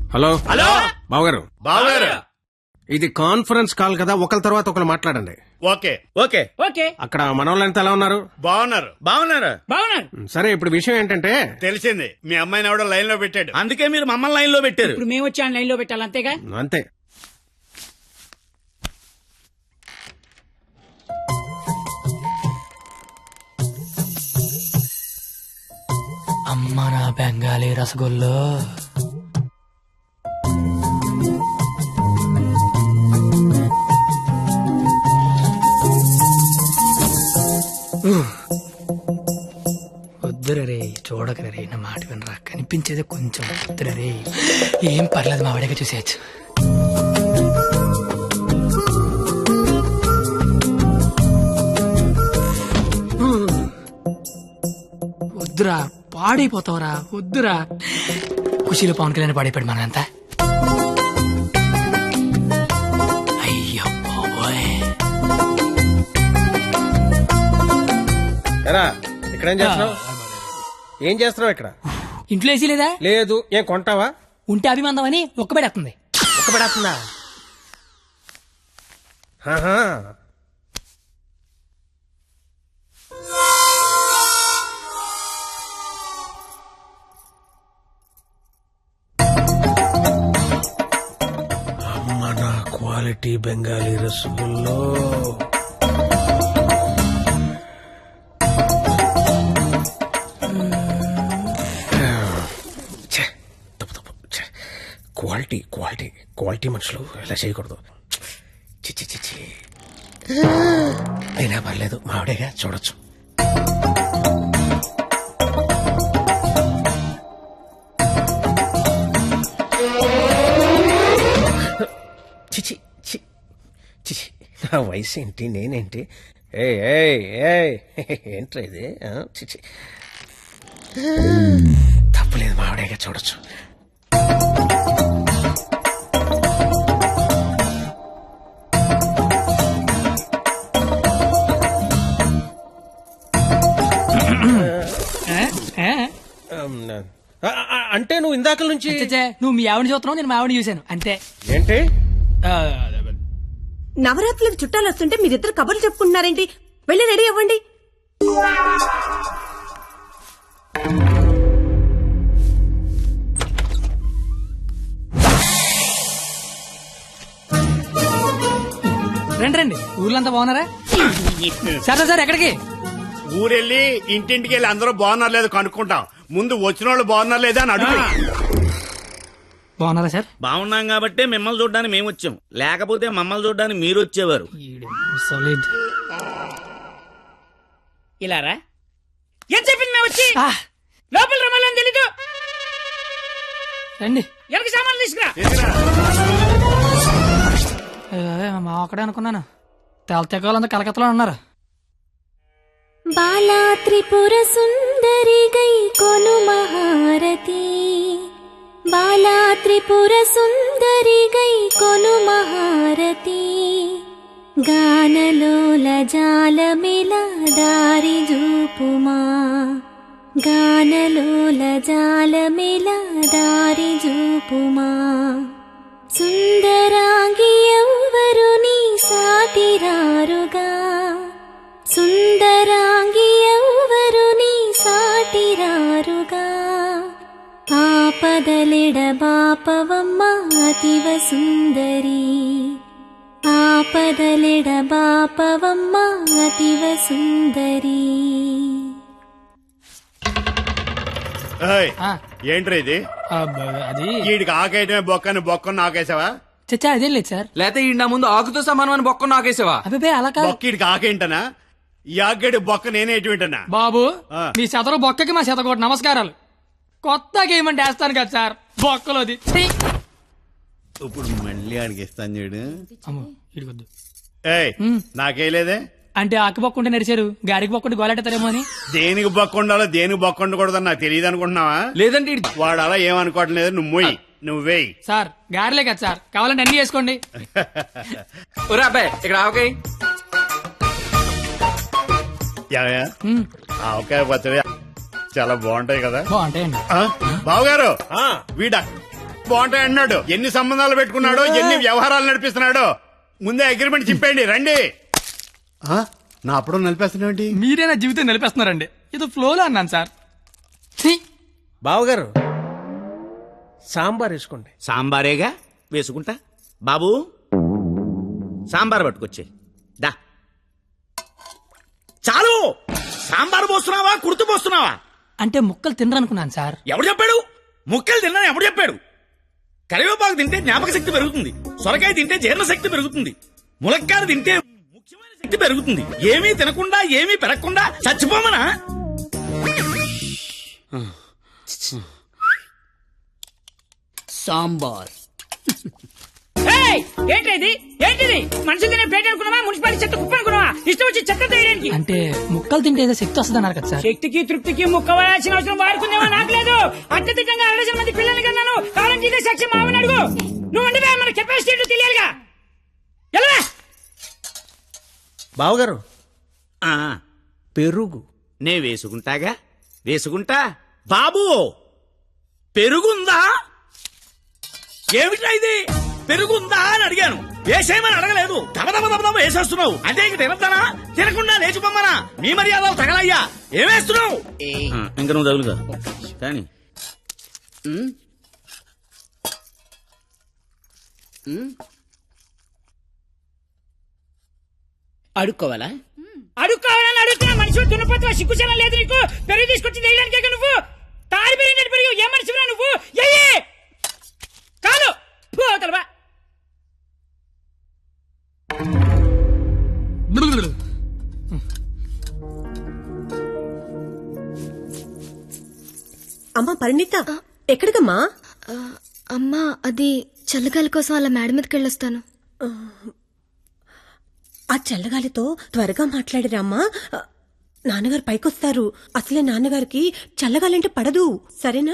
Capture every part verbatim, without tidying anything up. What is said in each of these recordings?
Hello hello బావగారు బావగారు ఇది కాన్ఫరెన్స్ కాల్ కదా, ఒకరి తర్వాత ఒకరు మాట్లాడండి. ఓకే ఓకే ఓకే అక్కడ మనోళ్ళంతా ఎలా ఉన్నారు? బాగున్నారు బాగున్నారు బాగున్నారు. సరే, ఇప్పుడు విషయం ఏంటంటే తెలిసింది. మీ అమ్మాయిని ఎవడో లైన్ లో పెట్టాడు. అందుకే మీరు మమ్మల్ని లైన్ లో పెట్టారు. ఇప్పుడు మేము వచ్చి లైన్ లో పెట్టాలి అంతేగా. అంతే. అమ్మ నా బెంగాలీ రసగుల్లో. వద్దురా రే, చూడకరా రే, నా మాట వినరా, కనిపించేది కొంచెం వద్దురా రే. ఏం పర్లేదు, మా వాడిగా చూసేయచ్చు. వద్దురా, పాడైపోతావురా, వద్దురా. ఖుషీలో పవన్ కళ్యాణ్ పాడైపోయాడు మనంతా. అయ్యో బాబోయ్. ఎరా, ఇక్కడ ఏం చేస్తున్నావు? ఏం చేస్తున్నావు ఇక్కడ? ఇంట్లో వేసి లేదా? లేదు. ఏం కొంటావా? ఉంటే అభిమందం అని ఒక్కబెడేస్తుంది. ఒక పడేస్తుందా? అమ్మ నా క్వాలిటీ బెంగాలీ రసగుల్లో. క్వాలిటీ క్వాలిటీ క్వాలిటీ మనుషులు ఇలా చేయకూడదు. చిచ్చి చిచ్చి. అయినా పర్లేదు, మావిడేగా, చూడొచ్చు. చిచి చి చిచి. నా వయసు ఏంటి, నేనేంటి? ఏ ఏంట్రా ఇది? చిచి. తప్పులేదు, మావిడేగా, చూడొచ్చు. అంటే నువ్వు ఇందాక నుంచి చచ్చే, నువ్వు మీ ఆవిడ చూస్తున్నావు, నేను మా ఆవిడ చూశాను అంతే. ఏంటి? ఆ, నవరాత్రులకు చుట్టాలు వస్తుంటే మీరిద్దరు కబుర్లు చెప్పుకుంటున్నారేంటి? వెళ్ళి రెడీ అవ్వండి. రండి రండి, ఊర్లంతా బాగున్నారా? సరే సార్, ఎక్కడికి? ఊరెళ్ళి ఇంటింటికి వెళ్ళి అందరూ బాగున్నారు లేదు కనుక్కుంటాం. ముందు వచ్చిన వాళ్ళు బాగున్నారు లేదా అని అడుగు. బాగున్నారా సార్? బాగున్నాం కాబట్టి మిమ్మల్ని చూడడానికి మేము వచ్చాం, లేకపోతే మమ్మల్ని చూడడానికి మీరు వచ్చేవారు. సాలిడ్. ఇలారా ఏం చెప్పింది మేము వచ్చి లోపల రమ్మాలని తెలీదు. రండి. ఎవరికి సామాన్లు తీసుకురా. మా అక్కడే అనుకున్నాను. తెలతెక్కలంతా కలకత్తలో ఉన్నారు. బాలా త్రిపుర సుందరి గై కొను మహారతి, బాలా త్రిపుర సుందరి గై కొను మహారతి, గానలోల జాలమిల దారి జూపుమా, గానలోల జాలమిల దారి జూపుమా, సుందరాంగి ఎవ్వరు నీ సాటిరారుగా, సుందరాంగి ఎవ్వరు నీ సాటిరారుగా, ఆపదలెడ బాపవమ్మ అతివ సుందరి, ఆపదలెడ బాపవమ్మ అతివ సుందరి. ఏయ్, ఆ, ఏంట్రా ఇది? ఆ, బ- అది వీడికి ఆకేయటమే బొక్కని బొక్కను నాకేసావా? చచ్చా, అదేం లేదు సార్. లేతే ఈ నా ముందు ఆకుతో సమానమని బొక్క నాకేసావా? అబ్బాయి అలా కాదు బొక్క వీడికి ఆకేంటనా? ఈ ఆకేడు బొక్క నేనే ఎటువంటనా? బాబు. ఆ. మీ శతరు బొక్కకి మా శతకోటి నమస్కారాలు. కొత్త గేమ్ అంటే వేస్తాను కదా సార్, బొక్కలోది. ఛీ! ఇప్పుడు మళ్ళీ ఆడికి ఇస్తాను చూడు. అమ్మో, ఇడికొద్దు. ఏయ్, నాకేలేదే. అంటే ఆకు బొక్కుంటే నడిచారు, గారికి బొక్కుంటే గోలెట్టారేమో అని. దేనికి బొక్క ఉండాలో దేనికి బొక్క ఉండకూడదని నాకు తెలియదు అనుకుంటున్నావా? లేదంటే ఈడు- వాడు అలా ఏమనుకోవటం లేదు. నువ్వు మొయ్యి, నువ్వేయి. సార్ గారెలే కదా సార్, కావాలంటే అన్ని చేసుకోండి. ఒరే అబ్బాయి, ఇక్కడ ఆవకాయ. యావయ్యా, ఆవకాయ పచ్చడి చాలా బాగుంటాయి కదా. బాగుంటాయండి. ఆ, బావగారు, ఆ, వీడా బాగుంటాయి అన్నాడు. ఎన్ని సంబంధాలు పెట్టుకున్నాడో, ఎన్ని వ్యవహారాలు నడిపిస్తున్నాడో. ముందే అగ్రిమెంట్ చెప్పండి, రండి. ఆ, నా అప్పుడు నడిపేస్తున్నాండి. మీరే నా జీవితం నిలిపేస్తున్నారండి. ఇది ఫ్లోలో అన్నాను సార్. ఛీ! బావగారు సాంబార్ వేసుకోండి. సాంబారేగా వేసుకుంటా. బాబు సాంబార్ పట్టుకొచ్చే దా. చాలు. సాంబార్ పోస్తున్నావా, కుర్తు పోస్తున్నావా? అంటే ముక్కలు తినరనుకున్నాను సార్. ఎవడు చెప్పాడు? ముక్కలు తిన్నా ఎవడు చెప్పాడు? కరివేపాకు తింటే జ్ఞాపక శక్తి పెరుగుతుంది, సొరకాయ తింటే జీర్ణ శక్తి పెరుగుతుంది, ములక్కాయ తింటే ముఖ్యమైన శక్తి పెరుగుతుంది. ఏమీ తినకుండా ఏమీ పెరగకుండా చచ్చిపోమనా? సాంబార్. ఏయ్, ఏంటిది ఏంటిది? మనుషులు తినే ప్లేట్ అనుకున్నావా, మున్సిపాలిటీ చెత్త కుప్ప అనుకున్నావా? ఇష్టం వచ్చి చెత్త తీయడానికి. అంటే ముక్కలు తింటే ఏదో శక్తి వస్తుంది అన్నారు కదా సార్. శక్తికి తృప్తికి ముక్క వేయాల్సిన అవసరం వాడుకుందేమో నాకు లేదు. అత్యధికంగా అరవై మంది పిల్లల్ని కన్నాను. కావాలంటే ఇదే సాక్ష్యం మామని అడుగు. నువ్వు అంటే మన కెపాసిటీ ఏంటో తెలియాలిగా. ఎలా? బావగారు ఆ, పెరుగు. నే వేసుకుంటాగా, వేసుకుంటా. బాబు పెరుగుందా? ఏమిటా ఇది? పెరుగుందా అని అడిగాను, వేసేయమని అడగలేదు. దబదబ దబదబ వేసేస్తున్నావు. అంటే ఇంక తినద్దానా? తినకుండా లేచిపోమ్మనా? మీ మర్యాదలు తగలయ్యా. ఏమేస్తున్నావు? ఇంకా నువ్వు తగులుగా కానీ అడుక్కోవాలా? అడుక్కోవాలని అడుగుతున్నా. మనిషి దున్నపోతున్నా, సిగ్గుచనం లేదు నీకు. పెరుగు తీసుకొచ్చి వేయడానికే నువ్వు. తారి పెరిగినట్టు పెరుగు. ఏ మనిషిరా నువ్వు? ఎయ్యి కాదు పోతలవా. అమ్మా పరిణిత, ఎక్కడికమ్మా? అమ్మా అది చల్లగాలి కోసం అలా మేడ మీదకి వెళ్ళొస్తాను. ఆ చల్లగాలితో త్వరగా మాట్లాడిరామ్మా. నాన్నగారు పైకొస్తారు. అసలే నాన్నగారికి చల్లగాలంటే పడదు, సరేనా?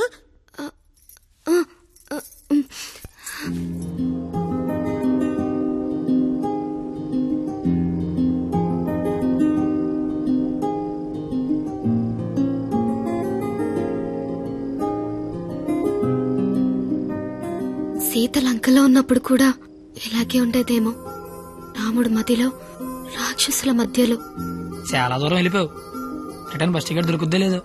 సీత లంకలో ఉన్నప్పుడు కూడా ఇలాగే ఉండేదేమో. రాముడు మధ్యలో, రాక్షసుల మధ్యలో. చాలా దూరం వెళ్ళిపోయావు. రిటర్న్ బస్ టికెట్ దొరుకుద్దే లేదు.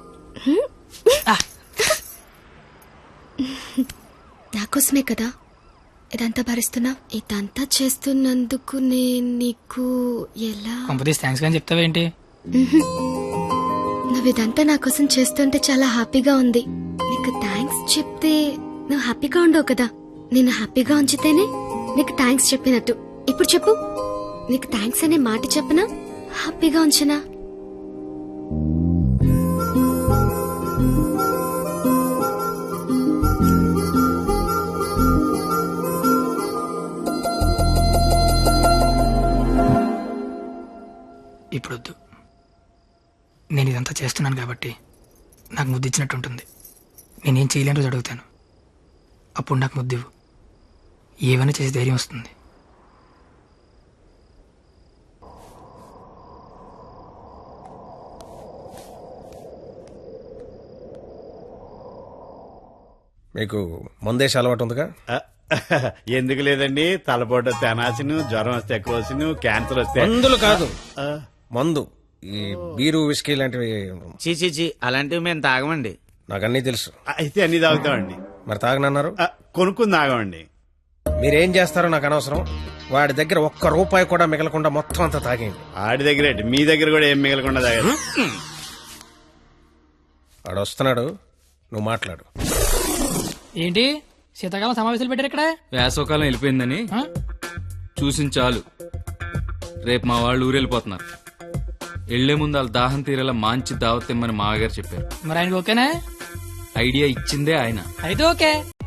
నాకోసమే కదా ఇదంతా భరిస్తున్నా. ఇదంతా చేస్తున్నందుకు నేను నీకు ఎలా కంపెనీస్ థ్యాంక్స్ కానీ చెప్తావేంటి? నువ్వు ఇదంతా నా కోసం చేస్తుంటే చాలా హ్యాపీగా ఉంది. నీకు థ్యాంక్స్ చెప్తే నువ్వు హ్యాపీగా ఉండవు కదా. నేను హ్యాపీగా ఉంచితేనే నీకు థ్యాంక్స్ చెప్పినట్టు. ఇప్పుడు చెప్పు, నీకు థ్యాంక్స్ అనే మాట చెప్పనా, హ్యాపీగా ఉంచనా? ఇప్పుడొద్దు. నేను ఇదంతా చేస్తున్నాను కాబట్టి నాకు ముద్దు ఇచ్చినట్టు ఉంటుంది. నేనేం చేయలేని రోజు అడుగుతాను, అప్పుడు నాకు ముద్దివ్వు. ఏమైనా చేసి ధైర్యం వస్తుంది. మీకు మందేసి అలవాటు ఉందిగా? ఎందుకు లేదండి, తలపోటు తెనాసిను, జ్వరం వస్తే ఎక్కువసిను, క్యాన్సర్ వస్తే. మందులు కాదు, మందు. ఈ బీరు విస్కీ లాంటివి చీ చీ చీ అలాంటివి మేము తాగమండి. నాకు అన్నీ తెలుసు. అయితే అన్ని తాగుతామండి. మరి తాగనన్నారు? ఆ, కొనుక్కుని తాగమండి. మీరేం చేస్తారో నాకు అనవసరం. వాడి దగ్గర ఒక్క రూపాయి కూడా మిగలకుండా మొత్తం అంతా తాగేయండి. ఆడి దగ్గర ఏంటి, మీ దగ్గర కూడా ఏం మిగలకుండా తాగారు. వాడు వస్తున్నాడు, నువ్వు మాట్లాడు. ఏంటి శీతాకాలం సమావేశాలు పెట్టారు ఇక్కడ? వేసవకాలం వెళ్ళిపోయిందని ఆ? చూసింది చాలు. రేపు మా వాళ్ళు ఊరెళ్ళిపోతున్నారు. వెళ్లే ముందు వాళ్ళ దాహం తీరేలా మంచి దావత్ ఇమ్మని మామగారు చెప్పారు. మరి ఆయనకి ఓకేనా? ఐడియా ఇచ్చిందే ఆయన. అయితే ఓకే.